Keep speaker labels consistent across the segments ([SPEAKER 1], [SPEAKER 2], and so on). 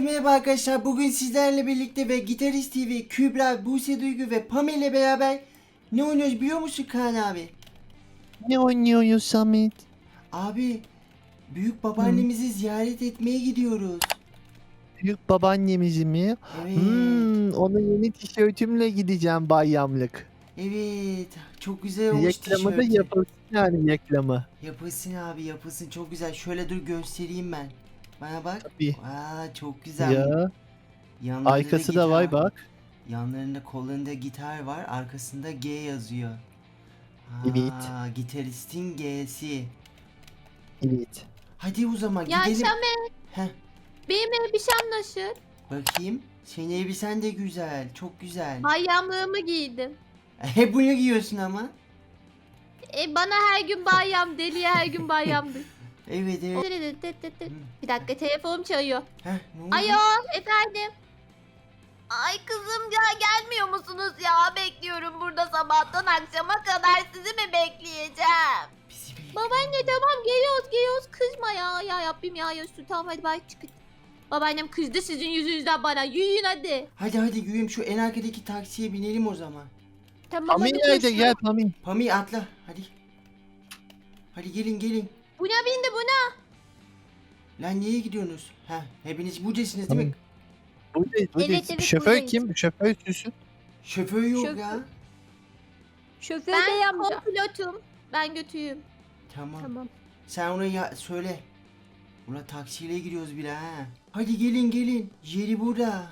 [SPEAKER 1] Merhaba arkadaşlar. Bugün sizlerle birlikte ve Gitarist TV, Kübra, Buse Duygu ve Pamela ile beraber ne oynuyoruz biliyor musun Kaan abi?
[SPEAKER 2] Ne oynuyoruz Samet?
[SPEAKER 1] Abi, büyük babaannemizi ziyaret etmeye gidiyoruz.
[SPEAKER 2] Büyük babaannemizi mi?
[SPEAKER 1] Evet.
[SPEAKER 2] Ona yeni tişörtümle gideceğim bayramlık.
[SPEAKER 1] Evet. Çok güzel olmuş
[SPEAKER 2] Reklamı da
[SPEAKER 1] tişörtü.
[SPEAKER 2] yapılsın yani reklamı.
[SPEAKER 1] Yapılsın abi, yapılsın. Çok güzel. Şöyle dur göstereyim ben. Bana bak.
[SPEAKER 2] Tabii.
[SPEAKER 1] Aa, çok güzel.
[SPEAKER 2] Ya
[SPEAKER 1] Yanlarında da
[SPEAKER 2] arkası da
[SPEAKER 1] gitar.
[SPEAKER 2] var bak.
[SPEAKER 1] Yanlarında, kollarında gitar var. Arkasında G yazıyor.
[SPEAKER 2] Evet.
[SPEAKER 1] Aa, gitaristin G'si.
[SPEAKER 2] Evet.
[SPEAKER 1] Hadi o zaman
[SPEAKER 3] Ya
[SPEAKER 1] gidelim.
[SPEAKER 3] Şamet,
[SPEAKER 1] Heh,
[SPEAKER 3] benim elbisem nasıl?
[SPEAKER 1] bakayım. Senin elbisen de güzel. Çok güzel.
[SPEAKER 3] Bayyamlığımı giydim.
[SPEAKER 1] Hep bunu giyiyorsun ama.
[SPEAKER 3] Bana her gün bayyam, deliye her gün bayyamdır.
[SPEAKER 1] Evet evet.
[SPEAKER 3] Bir dakika, telefonum çalıyor.
[SPEAKER 1] Heh, ne oldu?
[SPEAKER 3] Alo, efendim. Ay kızım ya, gelmiyor musunuz ya? Bekliyorum burada sabahtan akşama kadar, sizi mi bekleyeceğim?
[SPEAKER 1] Bizi bekle.
[SPEAKER 3] Babaanne tamam, geliyoruz kızma ya. Ya Rabbim ya, tamam hadi bay çıkın. Babaannem kızdı sizin yüzünüzden bana, yürüyün hadi.
[SPEAKER 1] Hadi yürüyeyim, şu en arkadaki taksiye binelim o zaman.
[SPEAKER 3] Tamam
[SPEAKER 2] Pami
[SPEAKER 3] hadi
[SPEAKER 2] nerede?
[SPEAKER 3] görüşürüz.
[SPEAKER 2] Gel Pami.
[SPEAKER 1] Pami atla hadi. Hadi gelin.
[SPEAKER 3] Buna bindi buna.
[SPEAKER 1] Lan niye gidiyorsunuz? Heh, hepiniz buradasınız değil mi?
[SPEAKER 2] Buradayız.
[SPEAKER 3] Evet,
[SPEAKER 2] Şoför
[SPEAKER 3] buradayız.
[SPEAKER 2] kim? Şoför süsün.
[SPEAKER 1] Şoför yok
[SPEAKER 3] Şoför.
[SPEAKER 1] ya.
[SPEAKER 3] Şoför bey amca. Kompilotum. Ben götüyüm.
[SPEAKER 1] Tamam.
[SPEAKER 3] Tamam.
[SPEAKER 1] Sen ona söyle. Ulan taksiyle gidiyoruz bile ha. Hadi gelin. Yeri burada.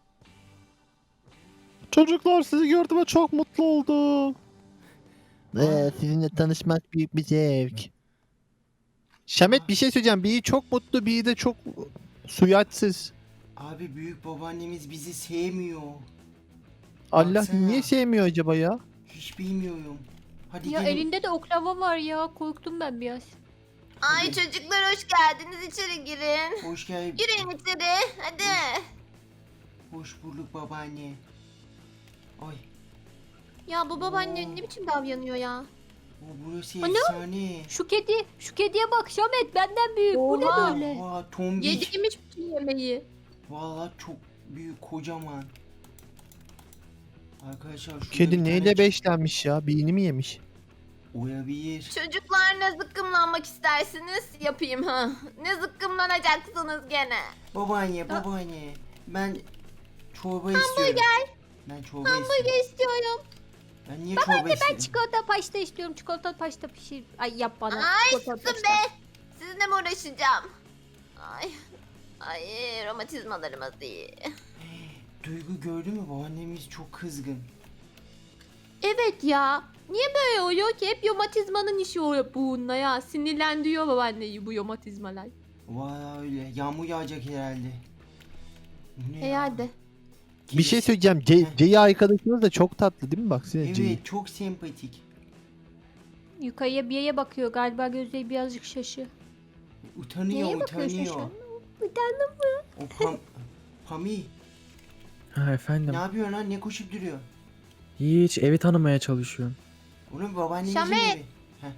[SPEAKER 2] Çocuklar sizi gördüğüme çok mutlu oldum. Sizinle tanışmak büyük bir zevk. Şamet bir şey söyleyeceğim. Biri çok mutlu, biri de çok suyatsız.
[SPEAKER 1] Abi büyük babaannemiz bizi sevmiyor.
[SPEAKER 2] Allah
[SPEAKER 1] Baksana.
[SPEAKER 2] niye sevmiyor acaba ya?
[SPEAKER 1] Hiç bilmiyorum. Hadi
[SPEAKER 3] Ya
[SPEAKER 1] gelin.
[SPEAKER 3] elinde de oklava var ya. Korktum ben biraz.
[SPEAKER 1] Ay
[SPEAKER 3] çocuklar hoş geldiniz. İçeri girin.
[SPEAKER 1] Hoş geldin.
[SPEAKER 3] Girin içeri. Hadi.
[SPEAKER 1] Hoş bulduk babaanne. Ay.
[SPEAKER 3] Ya bu babaanne ne biçim davranıyor ya?
[SPEAKER 1] O burası
[SPEAKER 3] Ana!
[SPEAKER 1] efsane.
[SPEAKER 3] Şu kediye bak Şamet, benden büyük. Bu ne böyle?
[SPEAKER 1] Oha tombik.
[SPEAKER 3] Yediğimiz bütün yemeği.
[SPEAKER 1] Vallahi çok büyük, kocaman. Arkadaşlar şurada
[SPEAKER 2] Kedi
[SPEAKER 1] bir
[SPEAKER 2] neyle
[SPEAKER 1] tane
[SPEAKER 2] beslenmiş ya? Beynini mi yemiş?
[SPEAKER 1] olabilir.
[SPEAKER 3] Çocuklar ne zıkkımlanmak istersiniz? Yapayım ha. Ne zıkkımlanacaksınız gene?
[SPEAKER 1] Babaanne. Ben çorba istiyorum. Ben çorba istiyorum.
[SPEAKER 3] Hamburger istiyorum.
[SPEAKER 1] Ben niye çorba istiyorum?
[SPEAKER 3] Çikolata paşta istiyorum. Çikolata paşta pişir. Ay yap bana.
[SPEAKER 4] Ay
[SPEAKER 3] Çikolata
[SPEAKER 4] susun
[SPEAKER 3] paşta.
[SPEAKER 4] be. Sizinle mi uğraşacağım? Ay romatizmalarımız iyi.
[SPEAKER 1] Duygu gördün mü? Babaannemiz çok kızgın.
[SPEAKER 3] Evet ya. Niye böyle oluyor ki? Hep romatizmanın işi oluyor bununla ya. Sinirlendiriyor babaanneyi bu romatizmalar.
[SPEAKER 1] Vay öyle. Yağmur yağacak herhalde. Bu ne ya?
[SPEAKER 3] Herhalde.
[SPEAKER 2] Bir şey
[SPEAKER 1] Kedisi-
[SPEAKER 2] söyleyeceğim. C'yi arkadaşınız da çok tatlı değil mi? Baksana C'yi.
[SPEAKER 1] Evet çok sempatik.
[SPEAKER 3] Yukarıya bir yere bakıyor. Galiba gözleri birazcık şaşı.
[SPEAKER 1] Utanıyor.
[SPEAKER 3] Neye bakıyorsun şu an? Utandım.
[SPEAKER 1] O Pami
[SPEAKER 5] Ha efendim.
[SPEAKER 1] ne yapıyorsun lan? Ne koşup duruyor?
[SPEAKER 5] Hiç evi tanımaya çalışıyorum.
[SPEAKER 1] Onun babaannemizin
[SPEAKER 3] Şamet!
[SPEAKER 1] evi.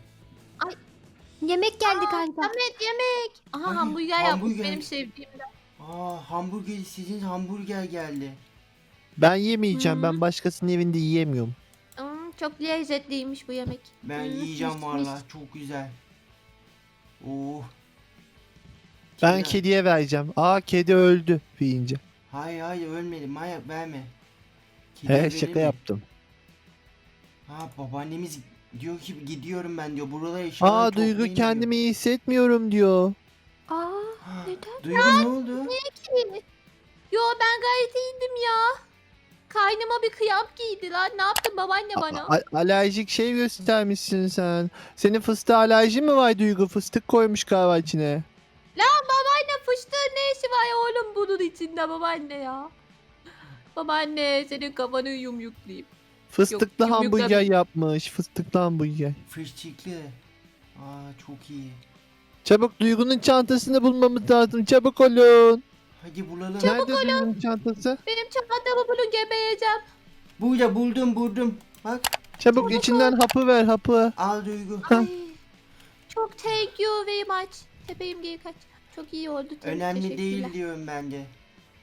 [SPEAKER 3] Yemek geldi
[SPEAKER 4] Aa,
[SPEAKER 3] galiba. Samet yemek. Aha
[SPEAKER 1] Ay,
[SPEAKER 3] hamburger yapmış
[SPEAKER 1] hamburger.
[SPEAKER 3] benim sevdiğim.
[SPEAKER 1] Hamburger, sizin hamburger geldi.
[SPEAKER 2] Ben yemeyeceğim.
[SPEAKER 3] Hı.
[SPEAKER 2] Ben başkasının evinde yiyemiyorum.
[SPEAKER 3] Çok lezzetliymiş bu yemek.
[SPEAKER 1] Ben
[SPEAKER 3] Hı,
[SPEAKER 1] yiyeceğim
[SPEAKER 3] mis,
[SPEAKER 1] valla.
[SPEAKER 3] mis.
[SPEAKER 1] Çok güzel. Oh.
[SPEAKER 2] Ben
[SPEAKER 1] Kedi-
[SPEAKER 2] kediye vereceğim. Aa kedi öldü deyince.
[SPEAKER 1] Hayır ölmedi. Manyak verme. Kediye
[SPEAKER 2] He
[SPEAKER 1] verilir
[SPEAKER 2] şaka
[SPEAKER 1] mi?
[SPEAKER 2] yaptım.
[SPEAKER 1] Ha babaannemiz diyor ki gidiyorum ben diyor. Buralara eşyaları
[SPEAKER 2] Aa Duygu
[SPEAKER 1] toplayın
[SPEAKER 2] kendimi
[SPEAKER 1] diyor.
[SPEAKER 2] iyi hissetmiyorum diyor.
[SPEAKER 3] Aa,
[SPEAKER 1] Ha,
[SPEAKER 3] neden?
[SPEAKER 1] Duygu ne oldu?
[SPEAKER 3] Yo ben gayet iyiydim ya. Kaynıma bir kıyam giydi lan. Ne yaptın babaanne bana?
[SPEAKER 2] Alerjik şey göstermişsin sen. Senin fıstığa alerjin mi var Duygu? Fıstık koymuş galiba içine.
[SPEAKER 3] Babaanne fıstığın ne işi var oğlum bunun içinde babaanne ya. Babaanne senin kafanı yumruklayayım.
[SPEAKER 2] Fıstıklı
[SPEAKER 3] Yok,
[SPEAKER 2] hamburger
[SPEAKER 3] yumruklar-
[SPEAKER 2] yapmış. Fıstıklı hamburger.
[SPEAKER 1] Fışçıklı. Çok iyi.
[SPEAKER 2] Çabuk Duygu'nun çantasını bulmamız lazım. Çabuk olun.
[SPEAKER 1] Hadi bulalım.
[SPEAKER 2] Nerede Duygu'nun çantası?
[SPEAKER 3] Benim çantamı bulun gebeyeceğim.
[SPEAKER 1] Burada buldum. Bak
[SPEAKER 2] Çabuk içinden hapı ver hapı.
[SPEAKER 1] al Duygu.
[SPEAKER 3] Ay, çok thank you very much. Tepeyim geri kaç. Çok iyi oldu.
[SPEAKER 1] Önemli
[SPEAKER 3] Teşekkürler.
[SPEAKER 1] değil diyorum ben de.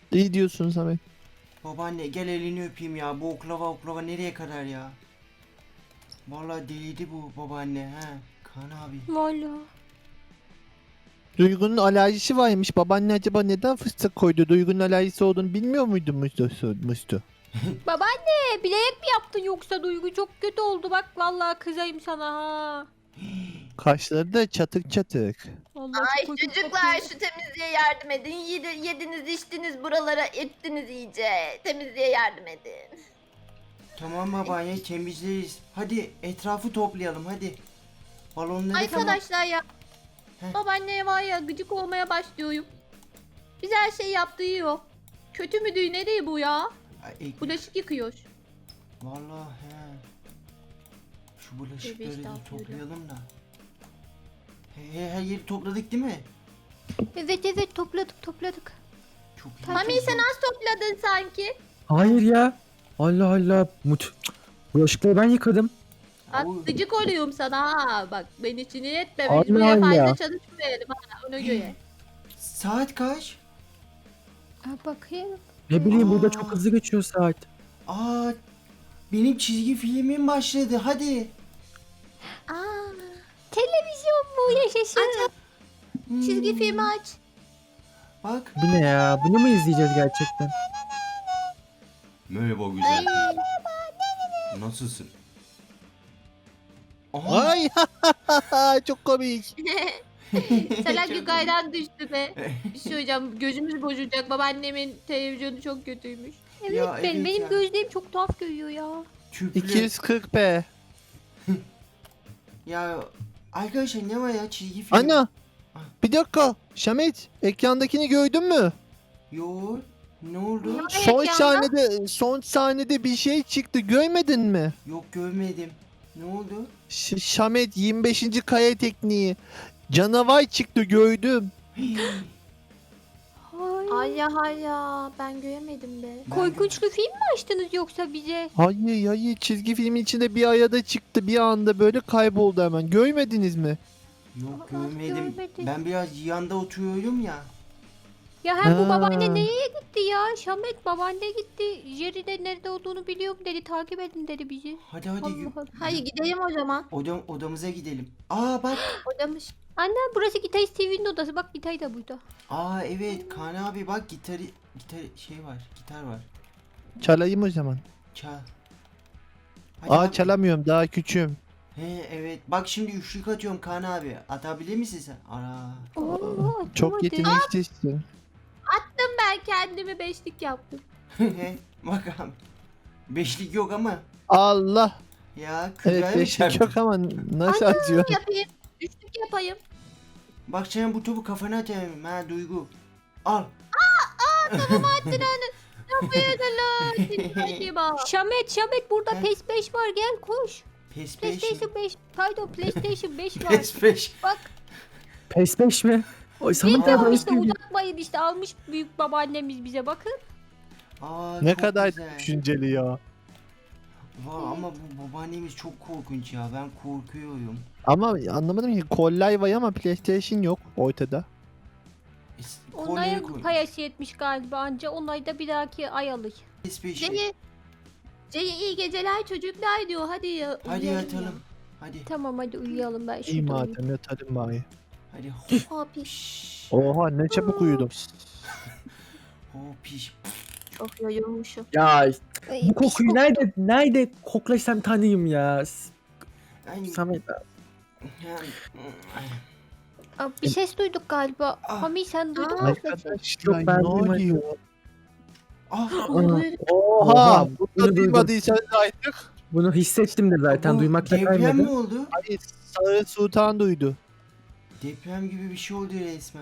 [SPEAKER 2] İyi diyorsun Samet.
[SPEAKER 1] Babaanne gel elini öpeyim ya. Bu oklava nereye kadar ya? Vallahi deliydi bu babaanne ha. Kaan abi.
[SPEAKER 3] Valla.
[SPEAKER 2] Duygu'nun alerjisi varmış. Babaanne acaba neden fıstık koydu? Duygu'nun alerjisi olduğunu bilmiyor muydu Mustu?
[SPEAKER 3] Babaanne bilerek mi yaptın yoksa Duygu çok kötü oldu bak vallahi kızayım sana ha.
[SPEAKER 2] Kaşları da çatık çatık.
[SPEAKER 3] Vallahi
[SPEAKER 4] Ay
[SPEAKER 3] çok kötü
[SPEAKER 4] çocuklar
[SPEAKER 3] kokuyor.
[SPEAKER 4] şu temizliğe yardım edin. Yediniz içtiniz buralara ettiniz iyice. Temizliğe yardım edin.
[SPEAKER 1] Tamam babaanne temizleriz. Hadi etrafı toplayalım hadi. Balonları
[SPEAKER 4] Arkadaşlar ya.
[SPEAKER 1] Heh.
[SPEAKER 4] Babaanneye var ya gıcık olmaya başlıyorum. Biz her şeyi yaptığı yok. Kötü müdür ne değil bu ya? Bulaşık yıkıyor.
[SPEAKER 1] Vallahi he. Şu bulaşıkları
[SPEAKER 4] Tövbe
[SPEAKER 1] da
[SPEAKER 4] estağfurullah.
[SPEAKER 1] toplayalım da. Her yeri topladık değil mi?
[SPEAKER 3] Evet topladık.
[SPEAKER 1] Çok iyi.
[SPEAKER 4] Mami
[SPEAKER 1] çok
[SPEAKER 4] sen
[SPEAKER 1] iyi.
[SPEAKER 4] az topladın sanki.
[SPEAKER 5] Hayır ya. Allah Allah. Bulaşıkları ben yıkadım.
[SPEAKER 4] Bak
[SPEAKER 1] Au.
[SPEAKER 4] gıcık oluyorum sana ha. Bak beni sinir etme. Biz
[SPEAKER 5] Allah
[SPEAKER 4] buraya
[SPEAKER 5] Allah.
[SPEAKER 4] fazla çalışmayalım ha ona göre.
[SPEAKER 1] Saat kaç?
[SPEAKER 3] Bakayım.
[SPEAKER 5] Ne bileyim burada
[SPEAKER 1] Aa.
[SPEAKER 5] çok hızlı geçiyor saat.
[SPEAKER 1] Aa, benim çizgi filmim başladı. Hadi.
[SPEAKER 3] Aa, televizyon bu yaşasın.
[SPEAKER 4] Çizgi
[SPEAKER 1] Hmm,
[SPEAKER 4] filmi aç.
[SPEAKER 1] Bak.
[SPEAKER 5] Bu ne ya? Bunu mu izleyeceğiz gerçekten?
[SPEAKER 1] Merhaba
[SPEAKER 4] Ay.
[SPEAKER 1] güzel. Nasılsın? Aha.
[SPEAKER 2] Ay çok komik.
[SPEAKER 4] Selam yukarıdan düştü be. Bir şey hocam gözümüz bozulacak. Babaannemin televizyonu çok kötüymüş.
[SPEAKER 3] Evet
[SPEAKER 1] Ya, evet
[SPEAKER 3] benim
[SPEAKER 1] ya.
[SPEAKER 3] gözlerim çok tuhaf görüyor ya.
[SPEAKER 1] Tüplü.
[SPEAKER 2] 240p.
[SPEAKER 1] Ya arkadaşlar ne var ya çizgi film?
[SPEAKER 2] Ana.
[SPEAKER 1] Ah.
[SPEAKER 2] Bir dakika. Şamit ekrandakini gördün mü?
[SPEAKER 1] Yo. Ne oldu?
[SPEAKER 4] Ya.
[SPEAKER 2] Son sahnede bir şey çıktı. Görmedin mi?
[SPEAKER 1] Yok görmedim. Ne oldu?
[SPEAKER 2] Şamet 25. kaya tekniği. Canavar çıktı gördüm.
[SPEAKER 3] Ay.
[SPEAKER 4] Ay ya ben göremedim be.
[SPEAKER 3] Korkunçlu film mi açtınız yoksa bize?
[SPEAKER 2] Hayır çizgi filmin içinde bir ayada çıktı bir anda böyle kayboldu hemen. Görmediniz mi?
[SPEAKER 1] Yok
[SPEAKER 3] Aa,
[SPEAKER 1] görmedim.
[SPEAKER 3] görmedim.
[SPEAKER 1] Ben biraz yanda oturuyorum ya.
[SPEAKER 3] Ya hem bu
[SPEAKER 2] Ha.
[SPEAKER 3] babaanne nereye gitti ya? Şamet babaanne gitti. Jerry de nerede olduğunu biliyorum dedi. Takip edin dedi bizi.
[SPEAKER 1] Hadi
[SPEAKER 3] Allah
[SPEAKER 1] yürü.
[SPEAKER 3] Allah.
[SPEAKER 4] Hadi gidelim o zaman.
[SPEAKER 1] Odamıza gidelim. Aa bak.
[SPEAKER 4] Odamış.
[SPEAKER 3] Anne burası Gitarist TV'nin odası. Bak gitar da burada.
[SPEAKER 1] Aa evet Kaan abi bak gitar şey var. Gitar var.
[SPEAKER 2] Çalayım o zaman.
[SPEAKER 1] Çal. Hadi abi.
[SPEAKER 2] Çalamıyorum daha küçüğüm.
[SPEAKER 1] He evet. Bak şimdi üçlük atıyorum Kaan abi. Atabilir misin sen? Ara.
[SPEAKER 3] Oo,
[SPEAKER 2] Çok
[SPEAKER 3] atamadı.
[SPEAKER 2] yeteneklisin.
[SPEAKER 4] Ben kendimi beşlik yaptım.
[SPEAKER 1] Bak abi. Beşlik yok ama.
[SPEAKER 2] Allah.
[SPEAKER 1] Ya
[SPEAKER 2] Evet
[SPEAKER 1] Kübra'ya mı
[SPEAKER 2] beşlik
[SPEAKER 1] çarptın?
[SPEAKER 2] yok ama nasıl atıyor?
[SPEAKER 4] Yapayım. Üçlük yapayım.
[SPEAKER 1] Bak sen bu topu kafana atayım ha Duygu. Al.
[SPEAKER 4] Hadi bak.
[SPEAKER 3] Şamet burada
[SPEAKER 1] He.
[SPEAKER 3] PES 5 var gel koş.
[SPEAKER 1] Pes 5.
[SPEAKER 3] PlayStation 5. Pardon PlayStation 5 var.
[SPEAKER 1] Pes 5.
[SPEAKER 5] PES 5 mi? Oy Samet
[SPEAKER 3] Bilmiyorum
[SPEAKER 5] abi
[SPEAKER 3] işte uzatmayın işte almış büyük babaannemiz bize bakın.
[SPEAKER 1] Aa,
[SPEAKER 2] Ne
[SPEAKER 1] çok
[SPEAKER 2] kadar
[SPEAKER 1] güzel.
[SPEAKER 2] düşünceli ya.
[SPEAKER 1] Ama bu babaannemiz çok korkunç ya. Ben korkuyorum.
[SPEAKER 2] Ama anlamadım ki kollay var ama PlayStation yok ortada.
[SPEAKER 1] Kolyeye
[SPEAKER 3] Onlara
[SPEAKER 1] koy.
[SPEAKER 3] payası yetmiş galiba anca. Onları da bir dahaki ay alır.
[SPEAKER 1] Pes 5.
[SPEAKER 4] C'ye iyi geceler çocuklar diyor. Hadi ya.
[SPEAKER 1] Hadi
[SPEAKER 4] uyuyalım
[SPEAKER 1] yatalım. Hadi.
[SPEAKER 3] Tamam hadi uyuyalım ben
[SPEAKER 2] İyi
[SPEAKER 3] şurada uyuyayım.
[SPEAKER 2] madem yatalım bari.
[SPEAKER 1] Hadi.
[SPEAKER 4] ya. Abi
[SPEAKER 1] Piş.
[SPEAKER 2] Oha ne çabuk uyudum.
[SPEAKER 1] O piş.
[SPEAKER 4] çok yorulmuşum.
[SPEAKER 5] Ya
[SPEAKER 3] Ay,
[SPEAKER 5] bu kokuyu
[SPEAKER 3] pis
[SPEAKER 5] nerede koklasam tanıyım ya.
[SPEAKER 1] Ay,
[SPEAKER 5] Samet abi.
[SPEAKER 3] Aa, bir ses duyduk galiba.
[SPEAKER 1] Ah.
[SPEAKER 3] Mami sen duydun mu?
[SPEAKER 2] Arkadaşlar
[SPEAKER 5] Yok, ben
[SPEAKER 2] ne
[SPEAKER 5] duymadım.
[SPEAKER 2] oluyor?
[SPEAKER 1] Ah,
[SPEAKER 2] Oha
[SPEAKER 5] bunu
[SPEAKER 2] burada
[SPEAKER 5] duydum.
[SPEAKER 2] duymadıysanız artık.
[SPEAKER 5] Bunu hissettim de zaten
[SPEAKER 1] bu
[SPEAKER 5] duymakta
[SPEAKER 1] deprem mi
[SPEAKER 5] kaymadı.
[SPEAKER 1] oldu?
[SPEAKER 2] Hayır Sarı Sultan duydu.
[SPEAKER 1] Deprem gibi bir şey oldu resmen.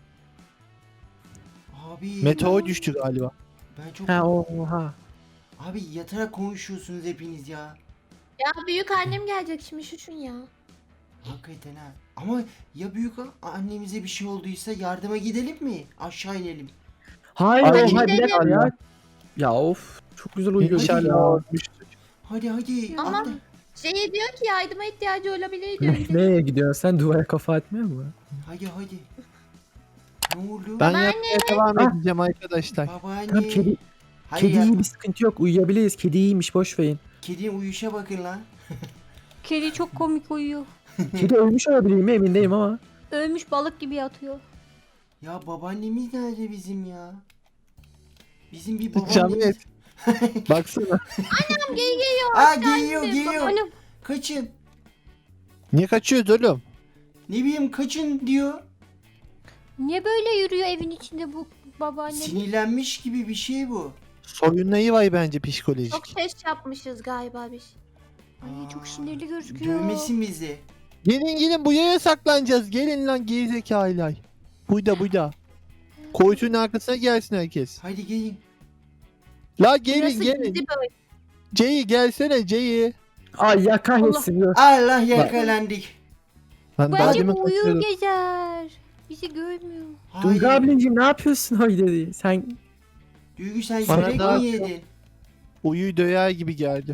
[SPEAKER 1] Abi.
[SPEAKER 2] Meteor düştü galiba.
[SPEAKER 1] Ben çok...
[SPEAKER 5] Ha oha.
[SPEAKER 1] Abi yatarak konuşuyorsunuz hepiniz ya.
[SPEAKER 4] Ya büyük annem gelecek şimdi şuşun ya.
[SPEAKER 1] Hakikaten ha. Ama ya büyük annemize bir şey olduysa yardıma gidelim mi? Aşağı inelim.
[SPEAKER 5] Hayır
[SPEAKER 2] Ay,
[SPEAKER 5] oha bir
[SPEAKER 4] gidelim.
[SPEAKER 5] dakika ya. Ya of çok güzel uyuyor.
[SPEAKER 2] İnşallah.
[SPEAKER 1] Hadi hadi.
[SPEAKER 4] Ama-
[SPEAKER 1] atla.
[SPEAKER 4] C'ye diyor ki yardıma ihtiyacı olabilir diyor.
[SPEAKER 5] Nereye gidiyorsun sen duvara kafa atmıyor mu?
[SPEAKER 1] Hadi hadi. Ne oldu?
[SPEAKER 2] Ben
[SPEAKER 3] Babaanne.
[SPEAKER 2] yapmaya devam
[SPEAKER 5] Ah.
[SPEAKER 2] edeceğim arkadaşlar.
[SPEAKER 1] Babaanne.
[SPEAKER 5] Tamam kedi
[SPEAKER 1] Hayır
[SPEAKER 5] iyi
[SPEAKER 1] yapma.
[SPEAKER 5] bir sıkıntı yok. Uyuyabiliriz. Kedi iyiymiş boş verin.
[SPEAKER 1] Kedinin uyuşa bakın lan.
[SPEAKER 4] Kedi çok komik uyuyor.
[SPEAKER 5] Kedi ölmüş olabilir mi emin değilim ama.
[SPEAKER 4] Ölmüş balık gibi yatıyor.
[SPEAKER 1] Ya babaannemiz nerede bizim ya? Bizim bir babaannemiz.
[SPEAKER 2] Şamet. Baksana.
[SPEAKER 1] Aa geliyor geliyor.
[SPEAKER 4] Annem
[SPEAKER 1] Kaçın.
[SPEAKER 2] Niye kaçıyoruz oğlum?
[SPEAKER 1] Ne bileyim kaçın diyor.
[SPEAKER 4] niye böyle yürüyor evin içinde bu babaannem?
[SPEAKER 1] Sinirlenmiş gibi bir şey bu.
[SPEAKER 2] Soyunlayı var bence psikolojik.
[SPEAKER 3] Çok ses yapmışız galiba biz.
[SPEAKER 4] Ay çok
[SPEAKER 1] Aa,
[SPEAKER 4] sinirli gözüküyor.
[SPEAKER 1] Dövmesin bizi.
[SPEAKER 2] Gelin bu yere saklanacağız. Gelin lan gerizekalılar. Burada. Koytunun arkasına gelsin herkes.
[SPEAKER 1] Hadi gelin.
[SPEAKER 2] La gelin
[SPEAKER 3] Burası
[SPEAKER 2] gelin.
[SPEAKER 3] gizli böyle.
[SPEAKER 2] Ceyi gelsene Ceyi.
[SPEAKER 5] Ay ya kahretsin. Dur.
[SPEAKER 1] Allah yakalandık.
[SPEAKER 2] Ben daha
[SPEAKER 4] Bence
[SPEAKER 2] demin
[SPEAKER 4] bu uyur
[SPEAKER 2] kaçıyordum.
[SPEAKER 4] gezer. Bizi görmüyor.
[SPEAKER 5] Duygu
[SPEAKER 1] Hayır.
[SPEAKER 5] ablacığım ne yapıyorsun öyle dedi. Sen
[SPEAKER 1] Duygu sen
[SPEAKER 2] Bana
[SPEAKER 1] yürek
[SPEAKER 2] daha-
[SPEAKER 1] mi yedin?
[SPEAKER 2] Uyu döyer gibi geldi.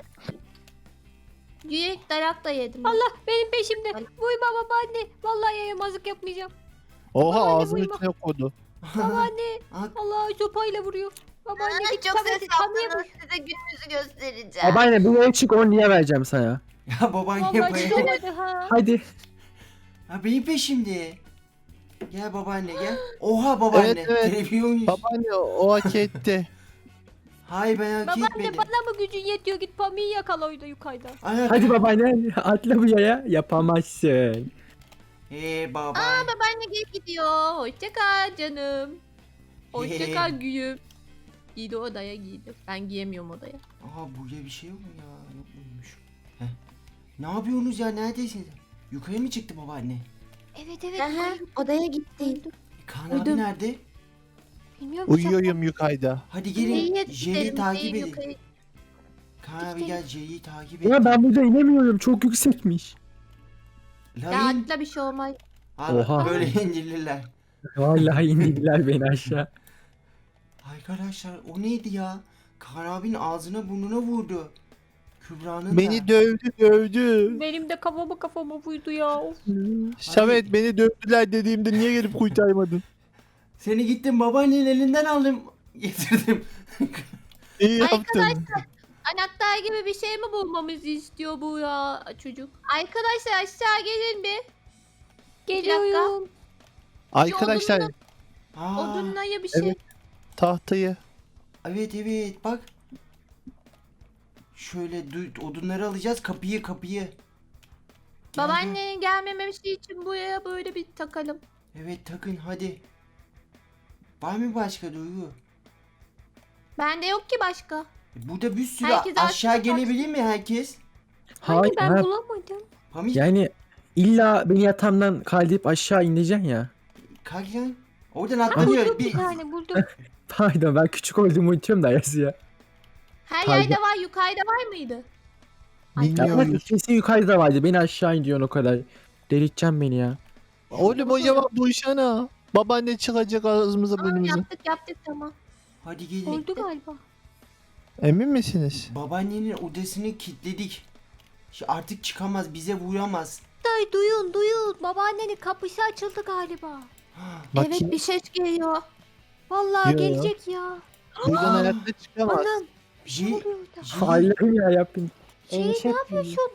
[SPEAKER 3] Yürek dayak da yedim.
[SPEAKER 4] Allah benim peşimde. Uyuma babaanne. Vallahi yayamazlık yapmayacağım.
[SPEAKER 2] Oha
[SPEAKER 4] Babaanne
[SPEAKER 2] ağzının
[SPEAKER 4] uyuma.
[SPEAKER 2] içine koydu.
[SPEAKER 4] Babaanne.
[SPEAKER 1] Aa,
[SPEAKER 4] Allah sopayla vuruyor. Babaanne
[SPEAKER 3] Aa,
[SPEAKER 4] git
[SPEAKER 3] çok ses
[SPEAKER 4] tableti tanıyor
[SPEAKER 3] yaptınız.
[SPEAKER 4] mu?
[SPEAKER 3] Size gününüzü göstereceğim.
[SPEAKER 5] babaanne bu yere çık 10 lira vereceğim sana.
[SPEAKER 1] Ya baban
[SPEAKER 4] Vallahi
[SPEAKER 1] yapayım.
[SPEAKER 4] çıkamadı ha.
[SPEAKER 5] Hadi.
[SPEAKER 1] Ha benim peşimde. Gel babaanne gel. Oha babaanne.
[SPEAKER 2] Evet.
[SPEAKER 1] Televizyon.
[SPEAKER 2] Babaanne o hak etti.
[SPEAKER 1] Hayır ben hak
[SPEAKER 4] Babaanne
[SPEAKER 1] etmedim.
[SPEAKER 4] bana mı gücün yetiyor? Git Pami'yi yakala orada yukarıda.
[SPEAKER 1] Ayak.
[SPEAKER 5] Hadi babaanne atla bu yaya. Yapamazsın.
[SPEAKER 1] Baba.
[SPEAKER 3] Babaanne geri gidiyor.
[SPEAKER 4] Hoşça kal canım. Hoşça kal güyüm. Giydi odaya giydi. Ben giyemiyorum odaya.
[SPEAKER 1] Aha burada bir şey yok mu ya? Yok muymuş? Heh. Ne yapıyorsunuz ya? Neredesiniz? Yukarı mı çıktı babaanne?
[SPEAKER 4] Evet evet.
[SPEAKER 3] Aha, odaya gitti.
[SPEAKER 1] Kaan
[SPEAKER 4] Uyudum.
[SPEAKER 1] abi nerede?
[SPEAKER 4] Bilmiyorum.
[SPEAKER 2] Uyuyorum yukarıda.
[SPEAKER 1] Hadi
[SPEAKER 3] Neyi
[SPEAKER 1] gelin. J'yi
[SPEAKER 3] gidelim,
[SPEAKER 1] takip
[SPEAKER 3] neyi
[SPEAKER 1] edin.
[SPEAKER 3] yukarı-
[SPEAKER 1] Kaan abi gel J'yi takip et.
[SPEAKER 5] Ya ben burada inemiyorum. Çok yüksekmiş.
[SPEAKER 3] Ya
[SPEAKER 1] Layın.
[SPEAKER 3] atla bir şey olmaz.
[SPEAKER 5] Oha.
[SPEAKER 1] Böyle indirdiler.
[SPEAKER 5] Vallahi indirdiler beni aşağı.
[SPEAKER 1] Arkadaşlar o neydi ya? Kaan abinin ağzına burnuna vurdu. Kübra'nın
[SPEAKER 2] Beni
[SPEAKER 1] da.
[SPEAKER 2] dövdü.
[SPEAKER 4] Benim de kafama vurdu ya. Of.
[SPEAKER 2] Şamet beni dövdüler dediğimde niye gelip kurtarmadın?
[SPEAKER 1] Seni gittim babaannenin elinden aldım. Getirdim.
[SPEAKER 2] İyi
[SPEAKER 3] Ay,
[SPEAKER 2] yaptın.
[SPEAKER 3] Anahtar gibi bir
[SPEAKER 4] Bir şey mi bulmamızı istiyor bu ya çocuk?
[SPEAKER 3] Arkadaşlar aşağı gelin bir.
[SPEAKER 4] Geliyorum.
[SPEAKER 2] Arkadaşlar
[SPEAKER 1] Aa,
[SPEAKER 3] Odunlaya bir şey.
[SPEAKER 2] Evet. tahtayı.
[SPEAKER 1] evet bak. Şöyle odunları alacağız kapıyı. Gel, gel.
[SPEAKER 3] Babaannenin gelmemesi için buraya böyle bir takalım.
[SPEAKER 1] Evet takın hadi. Var mı başka Duygu?
[SPEAKER 3] Bende yok ki başka.
[SPEAKER 1] Burada bir sürü
[SPEAKER 3] Herkes
[SPEAKER 1] aşağı
[SPEAKER 3] aşağı
[SPEAKER 1] gelebilir mi herkes?
[SPEAKER 4] Hani
[SPEAKER 5] Hayır.
[SPEAKER 4] ben
[SPEAKER 5] ha,
[SPEAKER 4] bulamadım.
[SPEAKER 1] Pamuk
[SPEAKER 5] yani illa beni yatağımdan kaldırıp aşağı indireceksin ya.
[SPEAKER 1] kalk lan. Oradan atlanıyor.
[SPEAKER 4] Buldum
[SPEAKER 1] Bir...
[SPEAKER 4] bir tane buldum.
[SPEAKER 5] Pardon ben küçük olduğumu unutuyorum da Ayası ya.
[SPEAKER 3] Her
[SPEAKER 5] Kaydı.
[SPEAKER 3] yerde var, yukarıda var mıydı?
[SPEAKER 2] Bilmiyoruz.
[SPEAKER 5] Kesin yukarıda vardı. Beni aşağı indiriyorsun o kadar. Delirteceksin beni ya.
[SPEAKER 2] Oğlum o zaman duysana. Babaanne çıkacak ağzımıza
[SPEAKER 3] Tamam
[SPEAKER 2] burnumuza.
[SPEAKER 3] yaptık tamam.
[SPEAKER 1] Hadi gelin.
[SPEAKER 4] Oldu galiba.
[SPEAKER 2] Emin misiniz?
[SPEAKER 1] Babaannenin odasını kilitledik. Artık çıkamaz, bize vuramaz.
[SPEAKER 4] Day duyun. Babaannenin kapısı açıldı galiba.
[SPEAKER 2] Bak
[SPEAKER 3] Evet
[SPEAKER 2] şimdi
[SPEAKER 3] bir ses geliyor.
[SPEAKER 4] Vallahi
[SPEAKER 2] Yo.
[SPEAKER 4] gelecek ya.
[SPEAKER 2] buradan
[SPEAKER 1] Aa.
[SPEAKER 2] hayatta çıkamaz.
[SPEAKER 4] Anam. Bir şey
[SPEAKER 1] J-
[SPEAKER 4] oluyor orada.
[SPEAKER 1] J-
[SPEAKER 5] Allah'ım ya yapayım.
[SPEAKER 4] Şey ne yapıyorsun?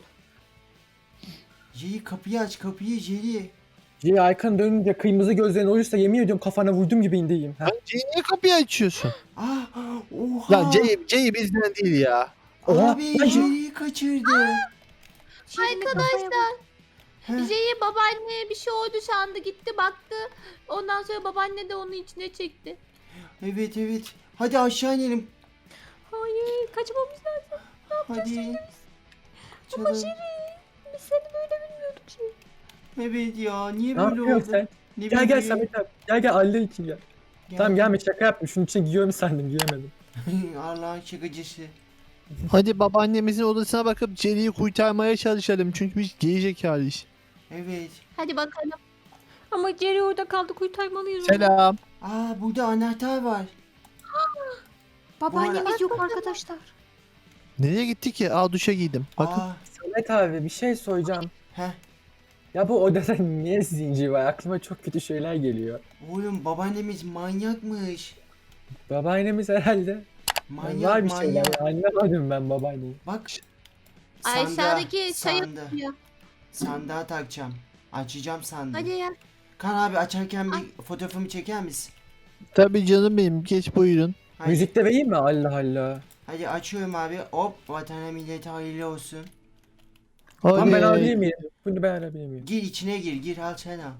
[SPEAKER 1] J'yi kapıyı aç kapıyı J'yi.
[SPEAKER 5] Ciğer arkanı dönünce kırmızı gözlerin olursa yemin ediyorum kafana vurdum gibi indiyim. Ha?
[SPEAKER 2] Lan C'yi niye kapıyı açıyorsun?
[SPEAKER 1] Ah oha.
[SPEAKER 2] Lan C'yi bizden değil ya.
[SPEAKER 5] Oha,
[SPEAKER 1] Abi
[SPEAKER 5] lan
[SPEAKER 1] J'yi kaçırdı.
[SPEAKER 3] Arkadaşlar
[SPEAKER 1] Heh.
[SPEAKER 3] J'yi babaanneye bir şey oldu sandı gitti baktı. Ondan sonra babaanne de onu içine çekti.
[SPEAKER 1] Evet. Hadi aşağı inelim.
[SPEAKER 4] Hayır kaçmamız lazım.
[SPEAKER 1] Hadi.
[SPEAKER 4] Ama
[SPEAKER 1] Kaçalım.
[SPEAKER 4] Şirin biz seni böyle bilmiyorduk Şirin.
[SPEAKER 1] Evet ya niye
[SPEAKER 5] Ne
[SPEAKER 1] böyle
[SPEAKER 5] yapıyorsun
[SPEAKER 1] oldu?
[SPEAKER 5] sen?
[SPEAKER 1] Ne
[SPEAKER 5] Gel
[SPEAKER 1] bileyim.
[SPEAKER 5] Samet abi. Gel Allah için gel. Tamam gelme şaka yaptım. Şunun içine giyiyorum sandım giyemedim.
[SPEAKER 1] Allah'ın şakacısı.
[SPEAKER 2] Hadi babaannemizin odasına bakıp C'yi kurtarmaya çalışalım. Çünkü biz gerizekalıys.
[SPEAKER 1] Evet.
[SPEAKER 3] Hadi bakalım.
[SPEAKER 4] Ama Jerry orada kaldı kurtarmalıyız onu.
[SPEAKER 2] Selam.
[SPEAKER 1] Aa burada anahtar var.
[SPEAKER 4] Babaannemiz yok arkadaşlar.
[SPEAKER 2] Nereye gitti ki? Aa duşa giydim. Bakın.
[SPEAKER 1] Aa,
[SPEAKER 5] Samet abi bir şey soracağım.
[SPEAKER 1] heh.
[SPEAKER 5] Ya bu odada niye zincir var? Aklıma çok kötü şeyler geliyor.
[SPEAKER 1] Oğlum babaannemiz manyakmış.
[SPEAKER 5] Babaannemiz herhalde.
[SPEAKER 1] Manyak
[SPEAKER 5] Var bir şeyler
[SPEAKER 1] manyak.
[SPEAKER 5] ya. Anlamadım ben babaanneyi.
[SPEAKER 1] Bak.
[SPEAKER 4] Aşağıdaki çayı
[SPEAKER 1] sandığa,
[SPEAKER 4] ya.
[SPEAKER 1] sandığa takacağım. Açacağım sandığı.
[SPEAKER 4] Hadi ya.
[SPEAKER 1] Kan abi açarken bir fotoğrafımı çeker misin?
[SPEAKER 2] Tabii canım benim. Geç buyurun.
[SPEAKER 1] Hadi.
[SPEAKER 5] Müzik de vereyim mi? Allah Allah.
[SPEAKER 1] Hadi açıyorum abi. Hop vatana millete hayırlı olsun.
[SPEAKER 5] Tamam ben
[SPEAKER 2] Oley.
[SPEAKER 5] alabilir miyim? Bunu ben alabilir miyim?
[SPEAKER 1] Gir içine gir al sen al.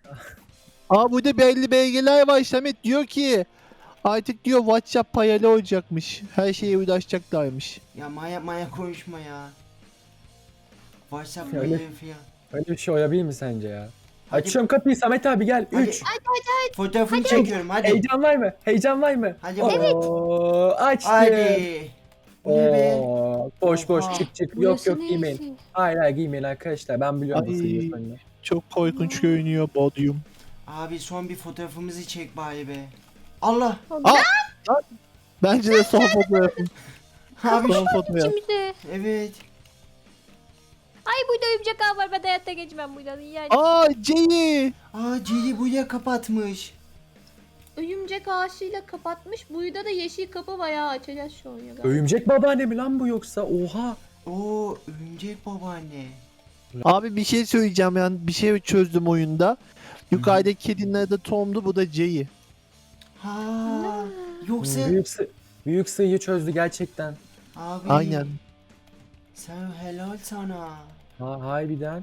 [SPEAKER 2] Aa burada belli belgeler var. Samet diyor ki artık diyor WhatsApp payalı olacakmış. Her şeye ulaşacaklarmış.
[SPEAKER 1] Ya maya konuşma ya. WhatsApp
[SPEAKER 5] Öyle.
[SPEAKER 1] yayın filan.
[SPEAKER 5] Öyle bir şey olabilir mi sence ya?
[SPEAKER 1] Hadi.
[SPEAKER 5] Açıyorum kapıyı Samet abi gel.
[SPEAKER 1] Hadi.
[SPEAKER 5] 3.
[SPEAKER 1] Fotoğrafını çekiyorum hadi.
[SPEAKER 5] Heyecan var mı? Heyecan var mı?
[SPEAKER 1] Hadi.
[SPEAKER 5] Oo, açtım.
[SPEAKER 1] Hadi. Bu ne be?
[SPEAKER 5] Oo, boş
[SPEAKER 1] Oha.
[SPEAKER 5] çık çık. Yok
[SPEAKER 4] Burası
[SPEAKER 5] yok giymeyin.
[SPEAKER 4] neresi?
[SPEAKER 5] Hayır hayır giymeyin arkadaşlar. Ben biliyorum
[SPEAKER 2] Ay.
[SPEAKER 5] nasıl giyiyorsun.
[SPEAKER 2] Çok korkunç görünüyor Bodrum.
[SPEAKER 1] Abi son bir fotoğrafımızı çek bari be. Allah.
[SPEAKER 2] Bence de son fotoğrafım.
[SPEAKER 1] Abi
[SPEAKER 2] Son fotoğraf.
[SPEAKER 4] İçimizde.
[SPEAKER 1] evet.
[SPEAKER 4] Ay burada örümcek ağ var. Ben hayatta geçmem buradan. Yani.
[SPEAKER 2] Aa Jenny.
[SPEAKER 1] Cili buraya kapatmış.
[SPEAKER 4] Örümcek ağaçıyla kapatmış. Burada da yeşil kapı var ya. Açacağız şu an ya.
[SPEAKER 5] Örümcek babaanne mi lan bu yoksa? Oha.
[SPEAKER 1] Oo örümcek babaanne.
[SPEAKER 2] Abi bir şey söyleyeceğim yani bir şey çözdüm oyunda. Yukarıdaki kedinin adı Tom'du bu da Jay'i.
[SPEAKER 1] Ha. Yoksa
[SPEAKER 5] Büyük sıyı çözdü gerçekten.
[SPEAKER 1] abi.
[SPEAKER 2] Aynen.
[SPEAKER 1] Sen helal sana.
[SPEAKER 5] Ha harbiden.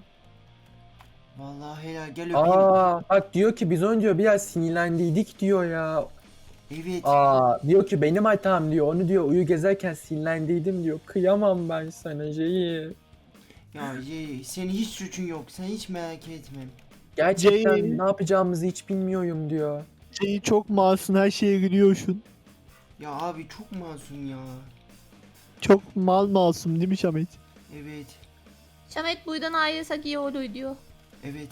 [SPEAKER 1] Vallahi helal gel öpeyim.
[SPEAKER 5] Bak diyor ki biz önce biraz sinirlendiydik diyor ya.
[SPEAKER 1] Evet.
[SPEAKER 5] Diyor ki benim hatam diyor. Onu diyor uyu gezerken sinirlendiydim diyor. Kıyamam ben sana Jay'i.
[SPEAKER 1] Ya senin hiç suçun yok. Sen hiç merak etme.
[SPEAKER 5] Gerçekten
[SPEAKER 2] Jay.
[SPEAKER 5] ne yapacağımızı hiç bilmiyorum diyor.
[SPEAKER 2] Jay'i çok masum her şeye gülüyorsun.
[SPEAKER 1] Ya abi çok masum ya.
[SPEAKER 2] Çok masum değil mi Şamet?
[SPEAKER 1] Evet.
[SPEAKER 4] Şamet buradan ayrılsak iyi olur diyor.
[SPEAKER 1] Evet.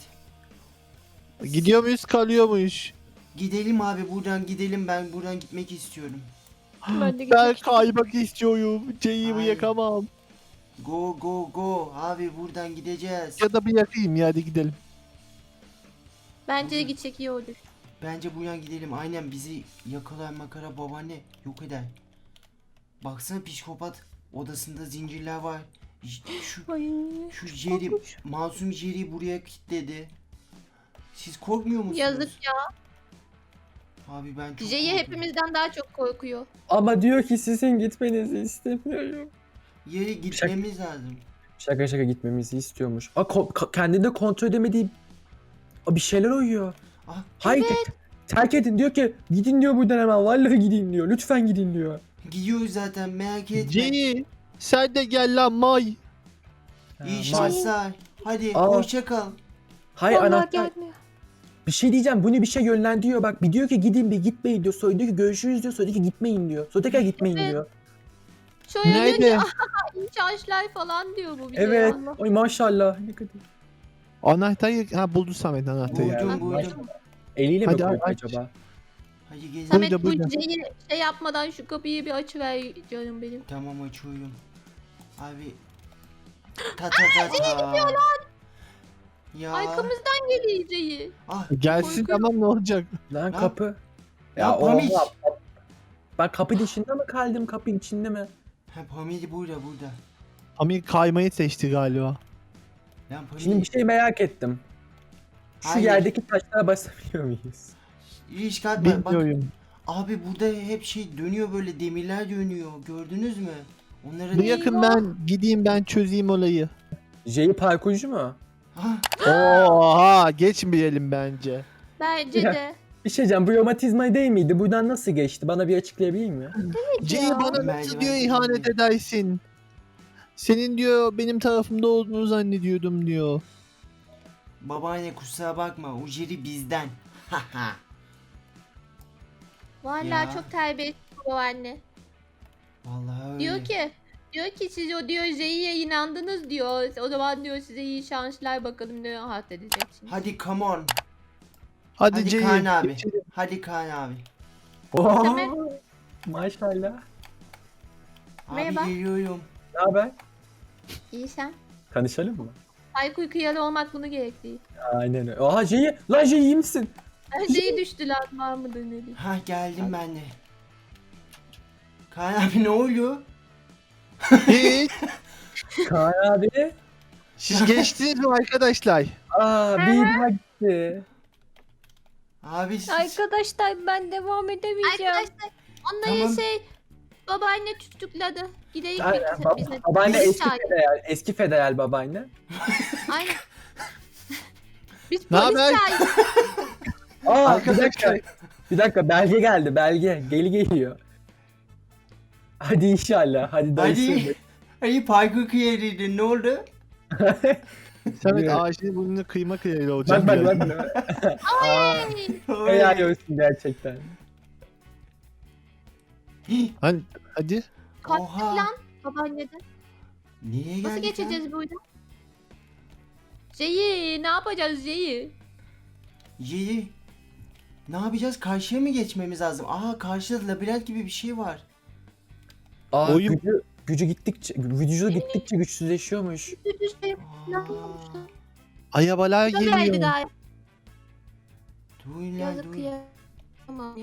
[SPEAKER 2] Gidiyor muyuz kalıyor muyuz?
[SPEAKER 1] Gidelim abi buradan gidelim. Ben buradan gitmek istiyorum.
[SPEAKER 4] Ben de
[SPEAKER 2] Ben
[SPEAKER 4] gitmek
[SPEAKER 2] kaymak istiyorum. Jay'i
[SPEAKER 1] Ay.
[SPEAKER 2] yakamam.
[SPEAKER 1] Go go go. Abi buradan gideceğiz.
[SPEAKER 2] Ya da bir yakayım ya hadi gidelim.
[SPEAKER 4] Bence de gitsek iyi olur.
[SPEAKER 1] Bence buradan gidelim. Aynen bizi yakalar makara babaanne yok eder. Baksana psikopat. Odasında zincirler var.
[SPEAKER 4] Ay.
[SPEAKER 1] Şu Jerry, masum Jerry buraya kilitledi. Siz korkmuyor musunuz?
[SPEAKER 4] Yazık ya.
[SPEAKER 1] Abi ben çok
[SPEAKER 4] Jay'i
[SPEAKER 1] korkuyorum.
[SPEAKER 4] hepimizden daha çok korkuyor.
[SPEAKER 5] Ama diyor ki sizin gitmenizi istemiyorum.
[SPEAKER 1] Yere gitmemiz lazım.
[SPEAKER 5] Şaka gitmemizi istiyormuş. Kendinde kontrol edemediği bir şeyler uyuyor.
[SPEAKER 1] Ah,
[SPEAKER 5] Hayır terk edin diyor ki gidin diyor buradan hemen vallahi gidin diyor. Lütfen gidin diyor.
[SPEAKER 1] gidiyoruz zaten merak etme.
[SPEAKER 2] Jay'i sen de gel lan May.
[SPEAKER 1] İyi şanslar. Hadi
[SPEAKER 5] Aa.
[SPEAKER 1] hoşça kal.
[SPEAKER 5] Hayır
[SPEAKER 4] Vallahi
[SPEAKER 5] anahtar.
[SPEAKER 4] gelmiyor.
[SPEAKER 5] Bir şey diyeceğim. Bunu bir şey yönlendiriyor. Bak bir diyor ki gidin bir gitmeyin diyor. Sonra diyor ki görüşürüz diyor. Sonra diyor ki gitmeyin diyor. Sonra tekrar gitmeyin
[SPEAKER 4] Evet.
[SPEAKER 5] diyor.
[SPEAKER 4] Şöyle
[SPEAKER 2] Nerede?
[SPEAKER 4] diyor ki iyi şanslar falan diyor bu bize.
[SPEAKER 5] Evet.
[SPEAKER 4] Allah.
[SPEAKER 5] Oy maşallah. Ne kadar.
[SPEAKER 2] Anahtarı buldu Samet anahtarı.
[SPEAKER 1] Buldum buldum.
[SPEAKER 5] Eliyle mi
[SPEAKER 2] Hadi
[SPEAKER 5] koydu
[SPEAKER 2] aç.
[SPEAKER 5] acaba?
[SPEAKER 1] Hadi gezelim.
[SPEAKER 4] Samet
[SPEAKER 2] Buyurun,
[SPEAKER 4] bu
[SPEAKER 2] buyurun.
[SPEAKER 4] Jay'i şey yapmadan şu kapıyı bir açıver canım benim.
[SPEAKER 1] Tamam açıyorum. Abi. Ta ta ta ta. Ya.
[SPEAKER 4] Arkamızdan geliyor Jay'i.
[SPEAKER 1] Ah
[SPEAKER 2] Gelsin
[SPEAKER 4] Korkuyorum.
[SPEAKER 2] tamam ne olacak?
[SPEAKER 5] Lan
[SPEAKER 1] Lan.
[SPEAKER 5] kapı.
[SPEAKER 1] Ya Pamir.
[SPEAKER 5] oha. Ben kapı dışında mı kaldım? Kapı içinde mi?
[SPEAKER 1] Ha Pamir burada.
[SPEAKER 2] Amir kaymayı seçti galiba.
[SPEAKER 1] Lan Pamir.
[SPEAKER 5] Şimdi bir şey merak ettim. Şu
[SPEAKER 1] Hayır.
[SPEAKER 5] yerdeki taşlara basabiliyor muyuz?
[SPEAKER 1] Risk atma. Bak
[SPEAKER 2] Bilmiyorum.
[SPEAKER 1] abi burada hep şey dönüyor böyle demirler dönüyor. Gördünüz mü? Onları
[SPEAKER 2] Bir yakın ben gideyim ben çözeyim olayı.
[SPEAKER 5] Jay'i parkurcu mu?
[SPEAKER 1] Ha,
[SPEAKER 2] Oha geçmeyelim bence.
[SPEAKER 4] Bence
[SPEAKER 5] Ya.
[SPEAKER 4] de.
[SPEAKER 5] Bir şey diyeceğim. Bu romatizma değil miydi? Buradan nasıl geçti? Bana bir açıklayabilir mi?
[SPEAKER 2] Jay
[SPEAKER 4] ya.
[SPEAKER 2] bana nasıl
[SPEAKER 1] Merdiven
[SPEAKER 2] diyor ihanet
[SPEAKER 1] değil.
[SPEAKER 2] edersin? Senin diyor benim tarafımda olduğunu zannediyordum diyor.
[SPEAKER 1] babaanne kusura bakma. O Jerry bizden. Haha.
[SPEAKER 4] Vallahi
[SPEAKER 1] Ya.
[SPEAKER 4] çok terbiyesiz bu anne.
[SPEAKER 1] Vallahi öyle.
[SPEAKER 4] Diyor ki siz o diyor Jay'iye inandınız diyor. O zaman diyor size iyi şanslar bakalım diyor. Rahat edeceksiniz.
[SPEAKER 1] Hadi come on.
[SPEAKER 2] Hadi,
[SPEAKER 1] Hadi
[SPEAKER 2] Jay.
[SPEAKER 1] Kaan abi.
[SPEAKER 2] geçelim.
[SPEAKER 1] Hadi Kaan abi.
[SPEAKER 4] Samet.
[SPEAKER 5] Maşallah.
[SPEAKER 1] Abi
[SPEAKER 4] Merhaba.
[SPEAKER 1] geliyorum.
[SPEAKER 5] Ne haber?
[SPEAKER 4] İyi sen.
[SPEAKER 5] Tanışalım mı?
[SPEAKER 4] Aykut kıyalı olmak bunu gerektiği.
[SPEAKER 5] Aynen öyle. Aha J'yi. Lan J iyi misin?
[SPEAKER 4] Her şeyi düştü lan var mı denedi.
[SPEAKER 1] Ha geldim ben de. Kaan abi ne oluyor?
[SPEAKER 2] Hiç.
[SPEAKER 5] Kaan abi.
[SPEAKER 2] Siz geçtiniz mi arkadaşlar?
[SPEAKER 5] Aa bir daha gitti.
[SPEAKER 1] Abi siz...
[SPEAKER 4] Arkadaşlar ben devam edemeyeceğim.
[SPEAKER 3] Arkadaşlar
[SPEAKER 4] Onları
[SPEAKER 1] Tamam.
[SPEAKER 4] babaanne tutukladı. Gidelim
[SPEAKER 5] Aynen,
[SPEAKER 4] bize.
[SPEAKER 5] babaanne
[SPEAKER 4] Biz
[SPEAKER 5] eski
[SPEAKER 4] çağır-
[SPEAKER 5] federal. Eski federal babaanne.
[SPEAKER 4] Aynen. Biz
[SPEAKER 2] Ne
[SPEAKER 4] polis
[SPEAKER 2] haber?
[SPEAKER 4] çağırdık.
[SPEAKER 5] Aa bir
[SPEAKER 2] Arkadaşlar.
[SPEAKER 5] dakika. Bir dakika belge geldi belge. Geliyor. Hadi inşallah. Hadi dayısı.
[SPEAKER 1] Hadi. Hadi parkur kıyarıydın ne oldu?
[SPEAKER 2] Samet
[SPEAKER 5] Evet.
[SPEAKER 2] ağacını burnunu kıyma kıyayla olacak.
[SPEAKER 5] Bak
[SPEAKER 2] ya.
[SPEAKER 5] bak. Aa, helal olsun gerçekten.
[SPEAKER 2] Hadi.
[SPEAKER 4] Kalktı
[SPEAKER 1] Oha.
[SPEAKER 4] lan babaanneden.
[SPEAKER 1] Nereye geldik
[SPEAKER 4] Nasıl
[SPEAKER 1] lan?
[SPEAKER 4] geçeceğiz buradan? Şeyi ne yapacağız şeyi?
[SPEAKER 1] Yeri. Ne yapacağız? Karşıya mı geçmemiz lazım? Aa karşıda labirent gibi bir şey var.
[SPEAKER 5] Aa,
[SPEAKER 2] Oyun-
[SPEAKER 5] gücü gittikçe güçsüzleşiyormuş.
[SPEAKER 4] Düz şey ne
[SPEAKER 1] Aa,
[SPEAKER 4] yapmışlar?
[SPEAKER 2] Ayabalar
[SPEAKER 4] Şöyleydi
[SPEAKER 2] geliyor.
[SPEAKER 4] galiba.
[SPEAKER 1] duyun lan
[SPEAKER 4] Yazık
[SPEAKER 1] duyun.
[SPEAKER 4] kıyamam.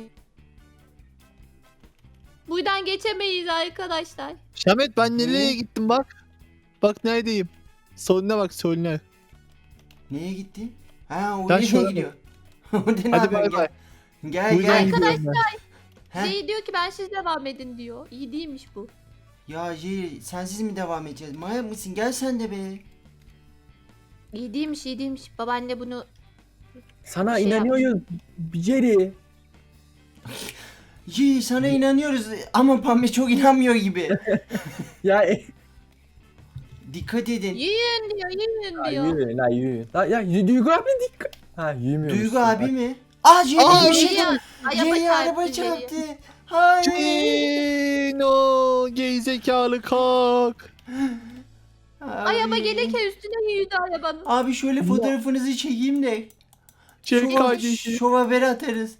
[SPEAKER 4] Buradan geçemeyiz arkadaşlar.
[SPEAKER 2] Samet ben nereye gittim bak. Bak neredeyim. Soluna bak soluna.
[SPEAKER 1] Neye gitti? Ha o
[SPEAKER 2] Ben
[SPEAKER 1] nereye
[SPEAKER 2] şöyle-
[SPEAKER 1] gidiyor? Orada ne
[SPEAKER 2] Hadi
[SPEAKER 1] yapıyorsun?
[SPEAKER 2] bay bay.
[SPEAKER 1] Gel
[SPEAKER 2] Buradan
[SPEAKER 1] gel.
[SPEAKER 2] gidiyorum ben.
[SPEAKER 1] He?
[SPEAKER 4] Şey diyor ki ben siz devam edin diyor. İyi değilmiş bu.
[SPEAKER 1] Ya Jerry sensiz mi devam edeceğiz? Manyak mısın? Gel sen de be.
[SPEAKER 4] İyi değilmiş iyi değilmiş. Babaanne bunu
[SPEAKER 5] Sana
[SPEAKER 4] Şey
[SPEAKER 5] inanıyoruz. Jerry.
[SPEAKER 1] Jerry sana inanıyoruz ama Pambe çok inanmıyor gibi.
[SPEAKER 5] Ya
[SPEAKER 1] Dikkat edin.
[SPEAKER 4] yiyin diyor yiyin
[SPEAKER 5] ya
[SPEAKER 4] diyor.
[SPEAKER 5] yürü la yürü. Ya Duygu abi dikkat. Ha yürümüyor
[SPEAKER 1] Duygu
[SPEAKER 5] musun?
[SPEAKER 1] abi mi? Aa Jerry
[SPEAKER 2] Aa,
[SPEAKER 1] bir şey
[SPEAKER 4] Jerry
[SPEAKER 1] yaptı.
[SPEAKER 4] araba
[SPEAKER 1] Jerry araba
[SPEAKER 4] çarptı Jerry'ye.
[SPEAKER 1] çarptı. Hayır.
[SPEAKER 2] Cino gerizekalı kalk.
[SPEAKER 4] Araba
[SPEAKER 1] Abi.
[SPEAKER 4] gelirken üstüne yürüdü arabanın.
[SPEAKER 1] Abi şöyle fotoğrafınızı çekeyim de.
[SPEAKER 2] Çek
[SPEAKER 1] Şova-
[SPEAKER 2] kardeşim.
[SPEAKER 1] Şova haber atarız.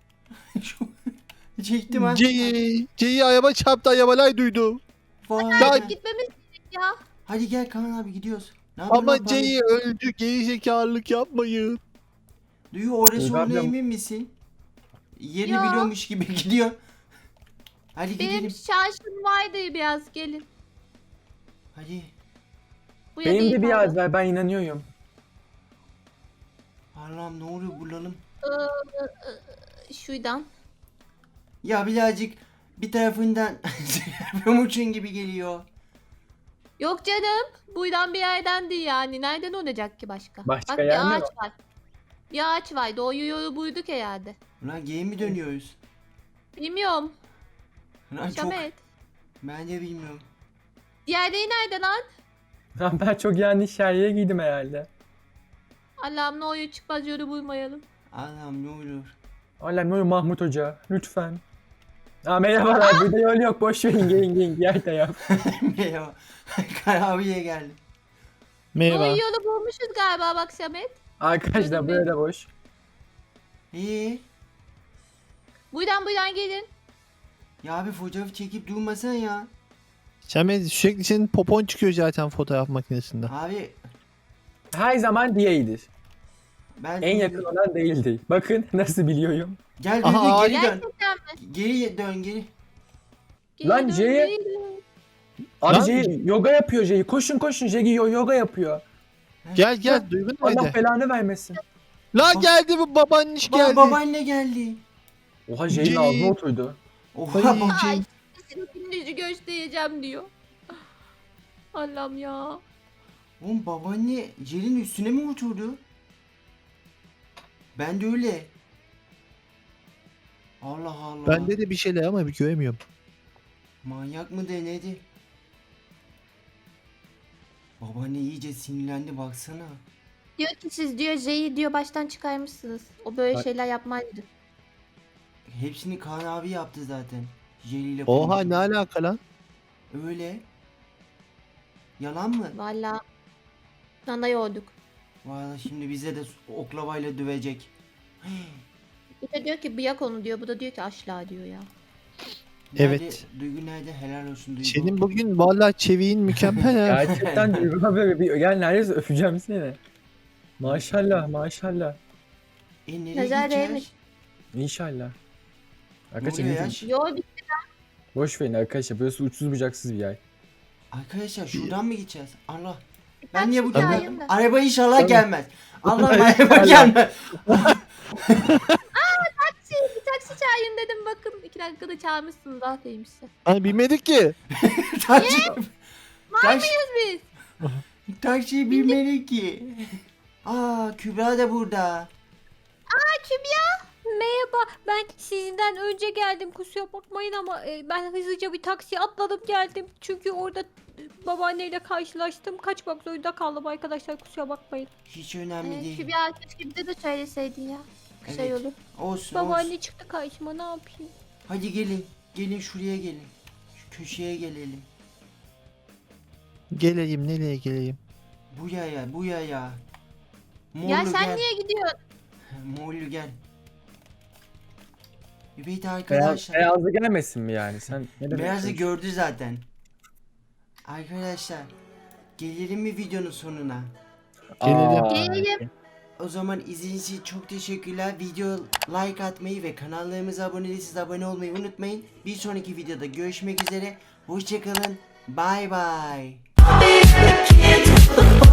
[SPEAKER 1] Çektim ha.
[SPEAKER 2] C'yi araba çarptı arabalar duydu.
[SPEAKER 1] Vay.
[SPEAKER 2] Ya-
[SPEAKER 4] Hadi gitmemiz gerek ya.
[SPEAKER 1] Hadi gel Kaan abi gidiyoruz. Ne yapıyorsun lan
[SPEAKER 2] Ama
[SPEAKER 1] Pambe?
[SPEAKER 2] C'yi öldü gerizekalılık yapmayın.
[SPEAKER 1] Duygu orası
[SPEAKER 5] Duygu
[SPEAKER 1] olduğuna
[SPEAKER 5] ablam-
[SPEAKER 1] emin misin? Yerini
[SPEAKER 4] Ya.
[SPEAKER 1] biliyormuş gibi gidiyor. Hadi
[SPEAKER 4] Benim
[SPEAKER 1] gidelim.
[SPEAKER 4] şarjım vardı biraz gelin.
[SPEAKER 1] Hadi.
[SPEAKER 4] Bu ya
[SPEAKER 5] Benim
[SPEAKER 4] değil
[SPEAKER 5] de bir
[SPEAKER 4] pardon.
[SPEAKER 5] yaz ver ben inanıyorum.
[SPEAKER 1] Allah'ım ne oluyor bulalım.
[SPEAKER 4] Şuradan.
[SPEAKER 1] Ya birazcık bir tarafından Pamuçin gibi geliyor.
[SPEAKER 4] Yok canım. Buradan bir yerden değil yani. Nereden olacak ki başka?
[SPEAKER 5] Başka
[SPEAKER 4] Bak
[SPEAKER 5] yer mi
[SPEAKER 4] bir ağaç
[SPEAKER 5] var?
[SPEAKER 4] var. Bir ağaç var. Doğru yolu buyduk herhalde.
[SPEAKER 1] Ulan geri mi dönüyoruz?
[SPEAKER 4] Bilmiyorum.
[SPEAKER 1] Ulan çok...
[SPEAKER 4] Şamet.
[SPEAKER 1] Ben de bilmiyorum.
[SPEAKER 4] Diğerleri nerede lan?
[SPEAKER 5] Lan ben çok yanlış yerlere giydim herhalde.
[SPEAKER 4] Allah'ım ne oluyor çıkmaz yolu bulmayalım.
[SPEAKER 1] Allah'ım ne olur.
[SPEAKER 5] Allah'ım ne olur Mahmut Hoca lütfen. Aa merhabalar burada yol yok boş verin gelin yer de yap.
[SPEAKER 1] Merhaba. Kaan abiye geldim.
[SPEAKER 2] Merhaba.
[SPEAKER 4] Doğru yolu bulmuşuz galiba bak Şamet.
[SPEAKER 5] Arkadaşlar buraya da boş.
[SPEAKER 1] İyi.
[SPEAKER 4] Buradan gelin.
[SPEAKER 1] Ya abi fotoğraf çekip durmasan ya.
[SPEAKER 2] Samet sürekli senin popon çıkıyor zaten fotoğraf makinesinde.
[SPEAKER 1] Abi
[SPEAKER 5] Her zaman diyedir.
[SPEAKER 1] ben...
[SPEAKER 5] En yakın olan değildi. Bakın nasıl biliyorum.
[SPEAKER 1] Gel
[SPEAKER 2] Aha,
[SPEAKER 1] Duygu geri dön.
[SPEAKER 4] Gerçekten mi?
[SPEAKER 1] Geri dön geri.
[SPEAKER 4] Geri
[SPEAKER 5] Lan
[SPEAKER 4] dön,
[SPEAKER 5] C'ye-
[SPEAKER 4] geri dön.
[SPEAKER 5] Abi
[SPEAKER 2] Lan-
[SPEAKER 5] Jay yoga yapıyor Jay. Koşun Jay yoga yapıyor.
[SPEAKER 2] Gel Duygu
[SPEAKER 5] Allah
[SPEAKER 2] nerede?
[SPEAKER 5] belanı vermesin.
[SPEAKER 2] La geldi bu babaanniş geldi.
[SPEAKER 1] Babaanne geldi.
[SPEAKER 5] Oha Jay'in
[SPEAKER 2] Jay.
[SPEAKER 5] ağzına oturdu.
[SPEAKER 1] Oha
[SPEAKER 2] Ay.
[SPEAKER 1] baba.
[SPEAKER 4] Ay senin yüzü göstereceğim diyor. Allah'ım ya.
[SPEAKER 1] Oğlum babaanne Jerry'nin üstüne mi oturdu? Ben de öyle. Allah Allah.
[SPEAKER 2] Bende de bir şeyler ama bir göremiyorum.
[SPEAKER 1] Manyak mı denedi? Babaanne iyice sinirlendi baksana.
[SPEAKER 4] Diyor ki siz diyor J'yi diyor baştan çıkarmışsınız. O böyle
[SPEAKER 5] Bak.
[SPEAKER 4] şeyler yapmaydı.
[SPEAKER 1] Hepsini Kaan abi yaptı zaten. Jerry ile
[SPEAKER 2] Oha
[SPEAKER 1] konuşup.
[SPEAKER 2] ne alaka lan?
[SPEAKER 1] Öyle. Yalan mı?
[SPEAKER 4] Valla. Nana yorduk.
[SPEAKER 1] Valla şimdi bize de oklavayla dövecek.
[SPEAKER 4] Bir de diyor ki bıyak onu diyor. Bu da diyor ki aşla diyor ya.
[SPEAKER 2] Evet.
[SPEAKER 1] Duygu nerede? Helal olsun Duygu.
[SPEAKER 2] Senin bugün vallahi çeviğin mükemmel ha.
[SPEAKER 5] Gerçekten Duygu abi gel neredeyse öpeceğim seni. Maşallah maşallah.
[SPEAKER 1] Nereye
[SPEAKER 4] Nazar
[SPEAKER 1] gideceğiz?
[SPEAKER 4] değmiş.
[SPEAKER 5] İnşallah.
[SPEAKER 1] Ne
[SPEAKER 5] Arkadaşlar
[SPEAKER 1] oluyor
[SPEAKER 5] ne
[SPEAKER 1] ya?
[SPEAKER 5] diyeyim?
[SPEAKER 4] Yo
[SPEAKER 5] Boş verin arkadaşlar burası uçsuz bucaksız bir yer.
[SPEAKER 1] Arkadaşlar şuradan mı gideceğiz? Allah.
[SPEAKER 4] Ben
[SPEAKER 1] Ben niye bu
[SPEAKER 4] şimdi
[SPEAKER 1] geldim?
[SPEAKER 4] ayında.
[SPEAKER 1] Araba inşallah
[SPEAKER 5] Tabii.
[SPEAKER 1] gelmez. Allah
[SPEAKER 5] Tabii.
[SPEAKER 1] araba gelmez.
[SPEAKER 4] bir taksi çağırın dedim bakın. 2 dakikada çağırmışsınız aferin size.
[SPEAKER 2] Hani bilmedik ki.
[SPEAKER 1] Taksi. Taksi.
[SPEAKER 4] Biz.
[SPEAKER 1] Taksiyi bilmedik ki. Aa Kübra da burada.
[SPEAKER 6] Merhaba, ben sizden önce geldim. Kusura bakmayın ama ben hızlıca bir taksiye atladım geldim. Çünkü orada babaanneyle karşılaştım. Kaçmak zorunda kaldım arkadaşlar. Kusura bakmayın.
[SPEAKER 1] Hiç önemli değil.
[SPEAKER 4] Kübra keşke bize de söyleseydin ya. Güzel
[SPEAKER 1] Evet.
[SPEAKER 4] olur.
[SPEAKER 1] Olsun
[SPEAKER 6] Babaanne
[SPEAKER 1] olsun.
[SPEAKER 6] çıktı karşıma, ne yapayım?
[SPEAKER 1] Hadi gelin. Gelin şuraya gelin. Şu köşeye gelelim.
[SPEAKER 2] Geleyim, nereye geleyim?
[SPEAKER 1] Bu yaya, bu yaya. Morlu
[SPEAKER 4] Ya sen
[SPEAKER 1] gel.
[SPEAKER 4] niye gidiyorsun?
[SPEAKER 1] Morlu gel. Evet
[SPEAKER 5] Beyaz,
[SPEAKER 1] arkadaşlar.
[SPEAKER 5] beyazlı gelmesin mi yani? Sen ne demek
[SPEAKER 1] Beyazı
[SPEAKER 5] istiyorsun?
[SPEAKER 1] gördü zaten. Arkadaşlar. Gelelim mi videonun sonuna?
[SPEAKER 2] Gelelim.
[SPEAKER 5] Aa,
[SPEAKER 4] Gelelim.
[SPEAKER 1] O zaman izlediğiniz için çok teşekkürler. Video like atmayı ve kanallarımıza abone değilseniz abone olmayı unutmayın. Bir sonraki videoda görüşmek üzere. Hoşçakalın. Bye bye.